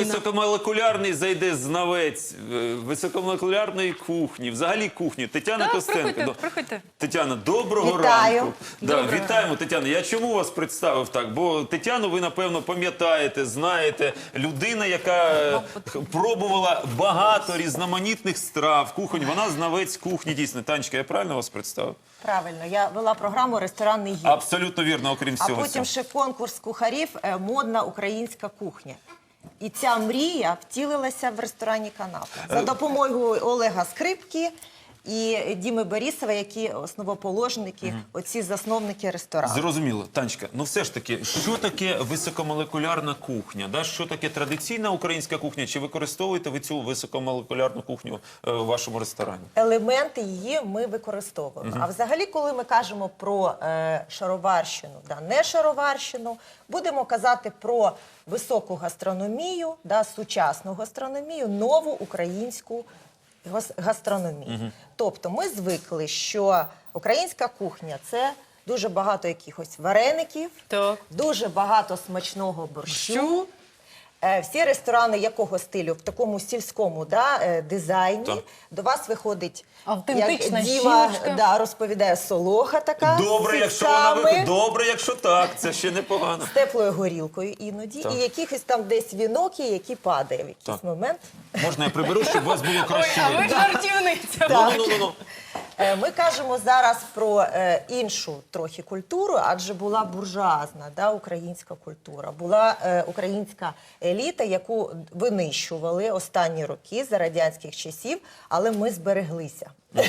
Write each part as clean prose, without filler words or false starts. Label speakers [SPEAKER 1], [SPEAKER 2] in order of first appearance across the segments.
[SPEAKER 1] високомолекулярний зайде знавець високомолекулярної кухні, взагалі кухні. Тетяна Костенко.
[SPEAKER 2] Приходьте.
[SPEAKER 1] Тетяна, доброго
[SPEAKER 3] Вітаю.
[SPEAKER 1] ранку. Да, вітаємо, Тетяна. Я чому вас представив так? Бо Тетяну ви, напевно, пам'ятаєте, знаєте. Людина, яка пробувала багато різноманітних страв, кухонь. Вона знавець кухні, дійсно. Танечка, я правильно вас представив?
[SPEAKER 3] Правильно, я вела програму «Ресторанний гід».
[SPEAKER 1] Абсолютно вірно, окрім
[SPEAKER 3] А
[SPEAKER 1] всього
[SPEAKER 3] потім
[SPEAKER 1] цього.
[SPEAKER 3] ще конкурс кухарів «Модна українська кухня». І ця мрія втілилася в ресторані «Канапа». За допомогою Олега Скрипки і Діми Борисова, які основоположники, оці засновники ресторану.
[SPEAKER 1] Зрозуміло. Танечка, ну все ж таки, що таке високомолекулярна кухня? Да? Що таке традиційна українська кухня? Чи використовуєте ви цю високомолекулярну кухню в вашому ресторані?
[SPEAKER 3] Елементи її ми використовуємо. А взагалі, коли ми кажемо про шароварщину, не шароварщину, будемо казати про високу гастрономію, сучасну гастрономію, нову українську гастрономію. Тобто ми звикли, що українська кухня – це дуже багато якихось вареників, дуже багато смачного борщу. Всі ресторани якого стилю? В такому сільському дизайні. До вас виходить,
[SPEAKER 2] автентична
[SPEAKER 3] як Діма
[SPEAKER 2] жіночка.
[SPEAKER 3] Розповідає, солоха така
[SPEAKER 1] Добре,
[SPEAKER 3] з
[SPEAKER 1] якщо вона
[SPEAKER 3] сітцями,
[SPEAKER 1] добре, якщо так, це ще непогано.
[SPEAKER 3] з теплою горілкою іноді, і якихось там десь вінок, які падає в якийсь момент.
[SPEAKER 1] Можна я приберу, щоб вас було краще
[SPEAKER 2] А ви
[SPEAKER 1] видно?
[SPEAKER 2] жартівниця.
[SPEAKER 1] Ну.
[SPEAKER 3] Ми кажемо зараз про іншу трохи культуру, адже була буржуазна українська культура, була українська еліта, яку винищували останні роки за радянських часів, але ми збереглися.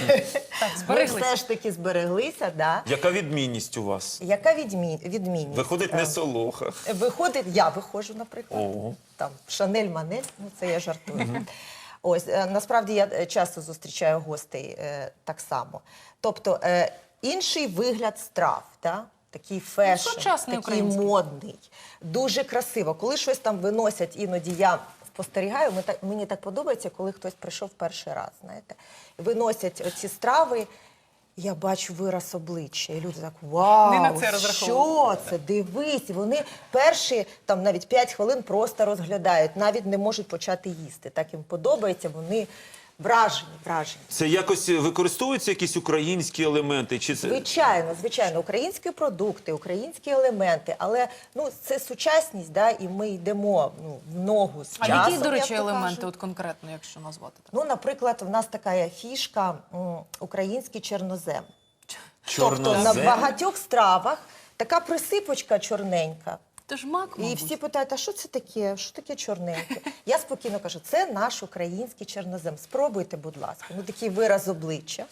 [SPEAKER 3] Ми все ж таки збереглися,
[SPEAKER 1] Яка відмінність у вас?
[SPEAKER 3] Яка відмінність?
[SPEAKER 1] Виходить не солоха.
[SPEAKER 3] Виходить, я виходжу, наприклад, там Шанель Манель, це я жартую. Ось, насправді я часто зустрічаю гостей так само. Тобто інший вигляд страв, такий фешн, такий модний, дуже красиво. Коли щось там виносять, іноді я спостерігаю, мені так подобається, коли хтось прийшов перший раз, знаєте. Виносять оці страви, я бачу вираз обличчя, і люди так, вау, що це, дивись. І вони перші, там навіть 5 хвилин просто розглядають, навіть не можуть почати їсти. Так їм подобається, вони вражені.
[SPEAKER 1] Це якось використовуються якісь українські елементи? Чи це...
[SPEAKER 3] Звичайно, українські продукти, українські елементи, але це сучасність, і ми йдемо в ногу з часом.
[SPEAKER 2] А які, до речі, елементи от конкретно, якщо назвати так?
[SPEAKER 3] Наприклад, в нас така є фішка український чорнозем.
[SPEAKER 1] Чорнозем?
[SPEAKER 3] Тобто на багатьох стравах така присипочка чорненька.
[SPEAKER 2] Це ж мак, мабуть.
[SPEAKER 3] І всі питають, а що це таке? Що таке чорненьке? Я спокійно кажу, це наш український чорнозем. Спробуйте, будь ласка. Такий вираз обличчя.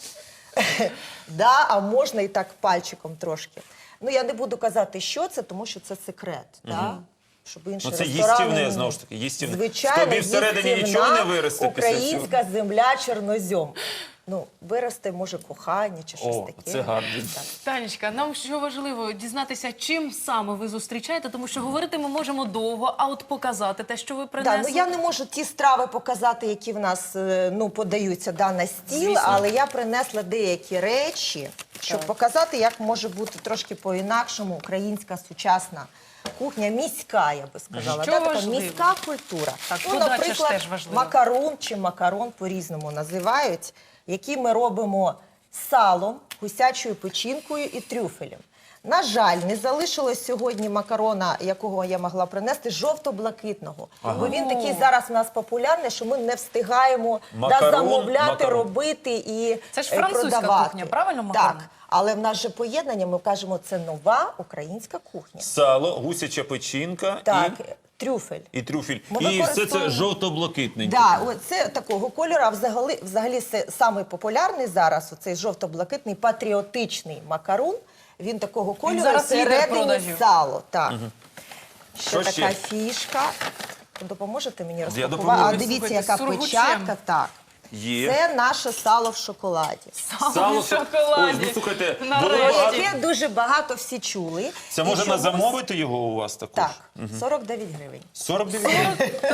[SPEAKER 3] А можна і так пальчиком трошки. Я не буду казати, що це, тому що це секрет. Щоб інші
[SPEAKER 1] це
[SPEAKER 3] ресторани...
[SPEAKER 1] їстівне, знову ж таки, їстівне.
[SPEAKER 3] Звичайно,
[SPEAKER 1] Тобі всередині нічого не виросте після цього?
[SPEAKER 3] Українська земля чорнозем. Виросте, може, кохання чи щось таке.
[SPEAKER 1] Це гарно.
[SPEAKER 2] Танечка, нам що важливо дізнатися, чим саме ви зустрічаєте, тому що говорити ми можемо довго, а от показати те, що ви принесли.
[SPEAKER 3] Я не можу ті страви показати, які в нас подаються на стіл, але я принесла деякі речі, щоб показати, як може бути трошки по-інакшому українська сучасна кухня, міська, я би сказала. Така міська культура. Наприклад, макарун чи макарон по-різному називають, які ми робимо з салом, гусячою печінкою і трюфелем. На жаль, не залишилось сьогодні макарона, якого я могла принести, жовто-блакитного. Бо він такий зараз у нас популярний, що ми не встигаємо замовляти, робити і продавати.
[SPEAKER 2] Це ж французька кухня, правильно, макарон?
[SPEAKER 3] Так. Але в нас же поєднання, ми кажемо, це нова українська кухня.
[SPEAKER 1] Сало, гусяча печінка
[SPEAKER 3] трюфель.
[SPEAKER 1] І трюфель. І все це жовто-блакитненьке.
[SPEAKER 3] Так, це такого кольору, а взагалі це самий популярний зараз, оцей жовто-блакитний патріотичний макарон. Він такого кольору, всередині сало. Ще така фішка. Допоможете мені розпакувати? Дивіться, яка печатка. Так. Це наше сало в шоколаді.
[SPEAKER 2] Сало в шоколаді.
[SPEAKER 1] Ой, слухайте,
[SPEAKER 3] яке дуже багато всі чули.
[SPEAKER 1] Це можна замовити його у вас також?
[SPEAKER 3] Так, 49 гривень.
[SPEAKER 1] 49 гривень?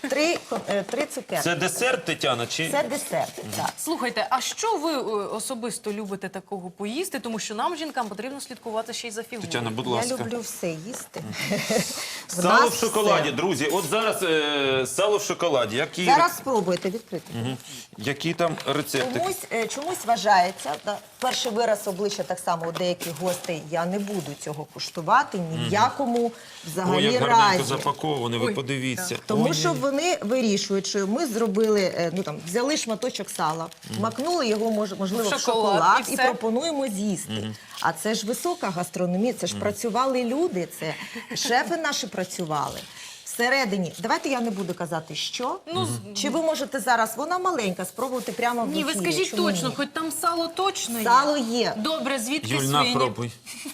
[SPEAKER 3] 3 цукерки.
[SPEAKER 1] Це десерт, Тетяна? Чи...
[SPEAKER 3] Це десерт, так.
[SPEAKER 2] Слухайте, а що ви особисто любите такого поїсти? Тому що нам, жінкам, потрібно слідкувати ще й за фігурою.
[SPEAKER 1] Тетяна, будь
[SPEAKER 3] Я
[SPEAKER 1] ласка.
[SPEAKER 3] люблю все їсти. В
[SPEAKER 1] Сало
[SPEAKER 3] нас
[SPEAKER 1] в шоколаді,
[SPEAKER 3] все.
[SPEAKER 1] друзі. От зараз сало в шоколаді.
[SPEAKER 3] Зараз спробуйте відкрити.
[SPEAKER 1] Які там рецепти?
[SPEAKER 3] Чомусь вважається, перший вираз обличчя так само у деяких гостей, я не буду цього куштувати ні в якому
[SPEAKER 1] Ой,
[SPEAKER 3] взагалі
[SPEAKER 1] як гарненько
[SPEAKER 3] разі.
[SPEAKER 1] запаковане, ви
[SPEAKER 2] Ой,
[SPEAKER 1] подивіться.
[SPEAKER 3] Тому
[SPEAKER 1] Ой.
[SPEAKER 3] що вони вирішують, що ми зробили, взяли шматочок сала, макнули його, можливо,
[SPEAKER 2] В
[SPEAKER 3] в
[SPEAKER 2] шоколад,
[SPEAKER 3] шоколад
[SPEAKER 2] і
[SPEAKER 3] і
[SPEAKER 2] все.
[SPEAKER 3] пропонуємо з'їсти. А це ж висока гастрономія, це ж працювали люди, це шефи наші працювали. Всередині, давайте я не буду казати, що. Чи ви можете зараз, вона маленька, спробувати прямо в
[SPEAKER 2] Ні, ви
[SPEAKER 3] ефірі,
[SPEAKER 2] скажіть
[SPEAKER 3] чому
[SPEAKER 2] точно,
[SPEAKER 3] ні?
[SPEAKER 2] хоч там сало точно є.
[SPEAKER 3] Сало є.
[SPEAKER 2] Добре, звідки
[SPEAKER 1] Юль,
[SPEAKER 2] свині?
[SPEAKER 1] пробуй.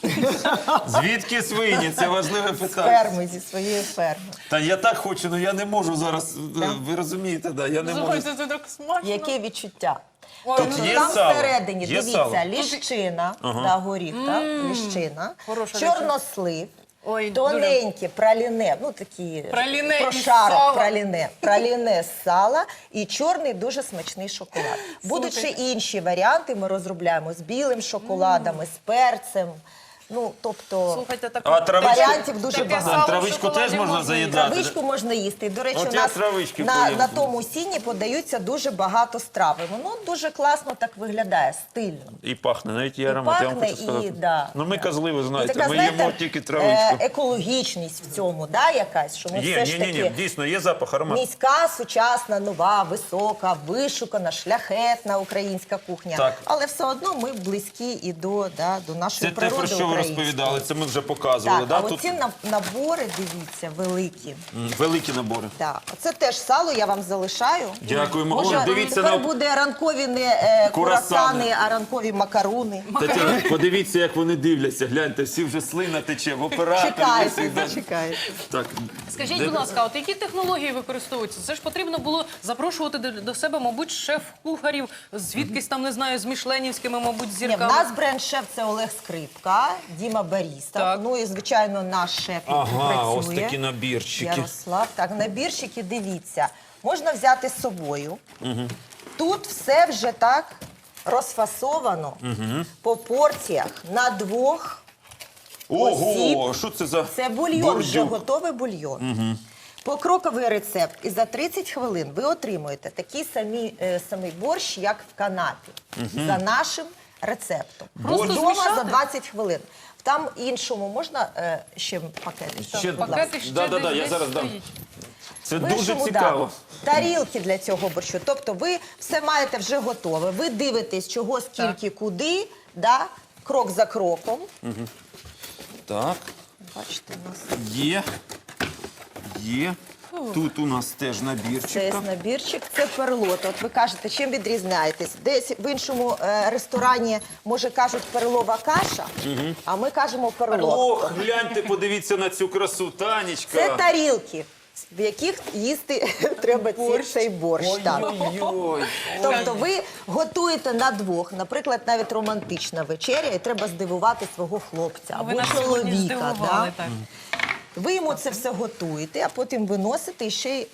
[SPEAKER 1] Звідки свині? Це важливе питання.
[SPEAKER 3] Ферми, зі своєї ферми.
[SPEAKER 1] Та я так хочу, але я не можу зараз. Ви розумієте, да, я не можу.
[SPEAKER 2] Слухайте, це так смачно.
[SPEAKER 3] Яке відчуття?
[SPEAKER 2] Ой,
[SPEAKER 1] Тут
[SPEAKER 2] ну,
[SPEAKER 1] є
[SPEAKER 3] Там
[SPEAKER 1] сало?
[SPEAKER 3] всередині,
[SPEAKER 1] Є
[SPEAKER 3] дивіться,
[SPEAKER 1] сало?
[SPEAKER 3] ліщина, да, горіх, так, ліщина,
[SPEAKER 2] Хороша
[SPEAKER 3] чорнослив,
[SPEAKER 2] Ой,
[SPEAKER 3] тоненьке праліне, ну такі
[SPEAKER 2] Праліне із
[SPEAKER 3] прошарок
[SPEAKER 2] сала.
[SPEAKER 3] праліне з сала і чорний дуже смачний шоколад. Будуть ще
[SPEAKER 2] Слухайте.
[SPEAKER 3] інші варіанти, ми розробляємо з білим шоколадом, з перцем. Ну, тобто,
[SPEAKER 2] Слухайте, так
[SPEAKER 1] А травичку?
[SPEAKER 3] варіантів дуже
[SPEAKER 2] Таке
[SPEAKER 3] багато.
[SPEAKER 2] сало в
[SPEAKER 1] Травичку
[SPEAKER 2] шоколаді
[SPEAKER 1] теж можна
[SPEAKER 2] їсти.
[SPEAKER 1] заїдати?
[SPEAKER 3] Травичку можна їсти. До речі,
[SPEAKER 1] От
[SPEAKER 3] у
[SPEAKER 1] я
[SPEAKER 3] нас
[SPEAKER 1] травички
[SPEAKER 3] на
[SPEAKER 1] поїм.
[SPEAKER 3] тому сіні подаються дуже багато страв. І воно дуже класно так виглядає, стильно.
[SPEAKER 1] І пахне, навіть є
[SPEAKER 3] І
[SPEAKER 1] аромат, я вам
[SPEAKER 3] пахне,
[SPEAKER 1] хочу сказати.
[SPEAKER 3] і, да,
[SPEAKER 1] Ну ми
[SPEAKER 3] да.
[SPEAKER 1] козли, ви
[SPEAKER 3] І
[SPEAKER 1] знаєте,
[SPEAKER 3] така,
[SPEAKER 1] ми
[SPEAKER 3] знаєте,
[SPEAKER 1] їмо тільки травичку.
[SPEAKER 3] екологічність в цьому, да, якась, що ми
[SPEAKER 1] Є,
[SPEAKER 3] все ж
[SPEAKER 1] ні,
[SPEAKER 3] таки
[SPEAKER 1] дійсно, є запах, аромат.
[SPEAKER 3] міська, сучасна, нова, висока, вишукана, шляхетна українська кухня.
[SPEAKER 1] Так.
[SPEAKER 3] Але все одно ми близькі і до
[SPEAKER 1] Це
[SPEAKER 3] нашої
[SPEAKER 1] те, про
[SPEAKER 3] природи
[SPEAKER 1] що ви
[SPEAKER 3] української.
[SPEAKER 1] розповідали, це ми вже показували.
[SPEAKER 3] Так,
[SPEAKER 1] Да?
[SPEAKER 3] а
[SPEAKER 1] Тут
[SPEAKER 3] оці набори, дивіться, великі.
[SPEAKER 1] великі набори.
[SPEAKER 3] Так, це теж сало, я вам залишаю.
[SPEAKER 1] Дякуємо.
[SPEAKER 3] Може,
[SPEAKER 1] О, дивіться
[SPEAKER 3] тепер
[SPEAKER 1] на-
[SPEAKER 3] буде ранкові не
[SPEAKER 1] Курасани.
[SPEAKER 3] курасани, а ранкові макаруни.
[SPEAKER 1] Тетяна, подивіться, як вони дивляться. Гляньте, всі вже слина тече в операторі.
[SPEAKER 3] Чекайте, чекайте.
[SPEAKER 1] Так,
[SPEAKER 2] Скажіть,
[SPEAKER 1] де-
[SPEAKER 2] будь ласка, от які технології використовуються? Це ж потрібно було запрошувати до себе, мабуть, шеф-кухарів, звідкись там, не знаю, з мішленівськими, мабуть,
[SPEAKER 3] Ні, в
[SPEAKER 2] зірками.
[SPEAKER 3] нас бренд-шеф – це Олег Скрипка, Діма Баріста.
[SPEAKER 2] Так.
[SPEAKER 3] Ну і, звичайно, наш шеф, який
[SPEAKER 1] Ага, ось
[SPEAKER 3] працює.
[SPEAKER 1] такі набірчики.
[SPEAKER 3] Ярослав. Так, набірчики, дивіться. Можна взяти з собою. Тут все вже так розфасовано по порціях на двох.
[SPEAKER 1] Ого,
[SPEAKER 3] осіб.
[SPEAKER 1] що це за
[SPEAKER 3] Це бульйон, вже
[SPEAKER 1] бордюк?
[SPEAKER 3] готовий бульйон. Покроковий рецепт. І за 30 хвилин ви отримуєте такий самий борщ, як в Канаді. За нашим рецептом.
[SPEAKER 2] Просто
[SPEAKER 3] Вдома
[SPEAKER 2] змішати?
[SPEAKER 3] за 20 хвилин. Там іншому можна ще пакети?
[SPEAKER 1] Ще-
[SPEAKER 3] Будь ласка.
[SPEAKER 2] Пакети ще
[SPEAKER 1] Да,
[SPEAKER 2] десь,
[SPEAKER 1] я
[SPEAKER 2] десь
[SPEAKER 1] зараз дам.
[SPEAKER 2] стоїть.
[SPEAKER 1] Це
[SPEAKER 3] В
[SPEAKER 1] дуже
[SPEAKER 3] іншому,
[SPEAKER 1] цікаво.
[SPEAKER 3] да, тарілки для цього борщу. Тобто ви все маєте вже готове. Ви дивитесь, чого, скільки, куди, да, крок за кроком.
[SPEAKER 1] Так,
[SPEAKER 3] Бачите, у нас
[SPEAKER 1] є. Є. Тут у нас теж
[SPEAKER 3] це
[SPEAKER 1] набірчик.
[SPEAKER 3] набірчик, це перлот. От ви кажете, чим відрізняєтесь? Десь в іншому ресторані, може, кажуть перлова каша, а ми кажемо перлот.
[SPEAKER 1] Ох, гляньте, подивіться на цю красу, Танечка.
[SPEAKER 3] Це тарілки, в яких їсти треба цей борщ. Так.
[SPEAKER 1] Ой-ой-ой.
[SPEAKER 3] Тобто ви готуєте на двох, наприклад, навіть романтична вечеря, і треба здивувати свого хлопця
[SPEAKER 2] Ви
[SPEAKER 3] або
[SPEAKER 2] нас сьогодні
[SPEAKER 3] чоловіка.
[SPEAKER 2] здивували,
[SPEAKER 3] Да?
[SPEAKER 2] так.
[SPEAKER 3] Ви йому це все готуєте, а потім виносите і ще й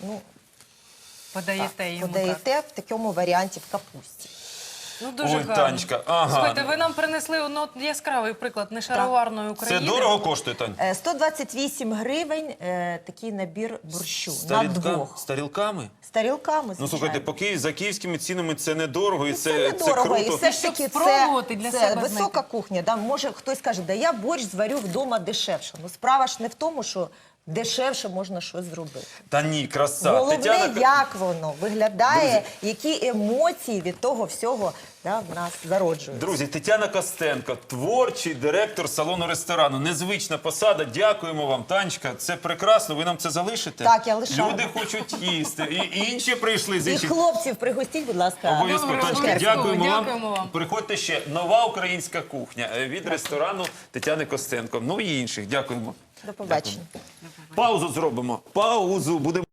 [SPEAKER 2] Подаєте йому. так.
[SPEAKER 3] подаєте в такому варіанті в капусті.
[SPEAKER 2] Ну, дуже
[SPEAKER 1] Ой,
[SPEAKER 2] гарно.
[SPEAKER 1] Танечка, ага.
[SPEAKER 2] Слухайте, ви нам принесли ну, от яскравий приклад нешароварної
[SPEAKER 1] Це
[SPEAKER 2] України.
[SPEAKER 1] дорого коштує, Тань?
[SPEAKER 3] 128 гривень такий набір борщу
[SPEAKER 1] З
[SPEAKER 3] на
[SPEAKER 1] тарілка-
[SPEAKER 3] двох.
[SPEAKER 1] З тарілками?
[SPEAKER 3] З тарілками,
[SPEAKER 1] Ну,
[SPEAKER 3] звичайно.
[SPEAKER 1] слухайте, за київськими цінами це недорого і
[SPEAKER 3] Це
[SPEAKER 1] це
[SPEAKER 3] недорого, і
[SPEAKER 1] круто.
[SPEAKER 3] все ж
[SPEAKER 2] Щоб
[SPEAKER 3] таки
[SPEAKER 2] спробувати для
[SPEAKER 3] це
[SPEAKER 2] себе
[SPEAKER 3] висока
[SPEAKER 2] знайти.
[SPEAKER 3] кухня. Да? Може хтось каже, да я борщ зварю вдома дешевше. Ну справа ж не в тому, що дешевше можна щось зробити.
[SPEAKER 1] Та ні, краса.
[SPEAKER 3] Головне,
[SPEAKER 1] Тетяна...
[SPEAKER 3] як воно виглядає, які емоції від того всього в нас зароджуються.
[SPEAKER 1] Друзі, Тетяна Костенко, творчий директор салону-ресторану. Незвична посада. Дякуємо вам, Танечка. Це прекрасно. Ви нам це залишите?
[SPEAKER 3] Так, я лишаю.
[SPEAKER 1] Люди хочуть їсти. І інші прийшли з
[SPEAKER 3] І
[SPEAKER 1] інших.
[SPEAKER 3] хлопців пригостіть, будь ласка.
[SPEAKER 1] Обов'язково,
[SPEAKER 2] Добре,
[SPEAKER 1] Танечка,
[SPEAKER 2] обов'язково.
[SPEAKER 1] дякуємо
[SPEAKER 2] Дякуємо
[SPEAKER 1] вам.
[SPEAKER 2] вам.
[SPEAKER 1] Приходьте ще. Нова українська кухня від ресторану Тетяни Костенко. Ну і інших. Дякуємо.
[SPEAKER 3] До побачення.
[SPEAKER 1] Паузу зробимо. Паузу. Будемо.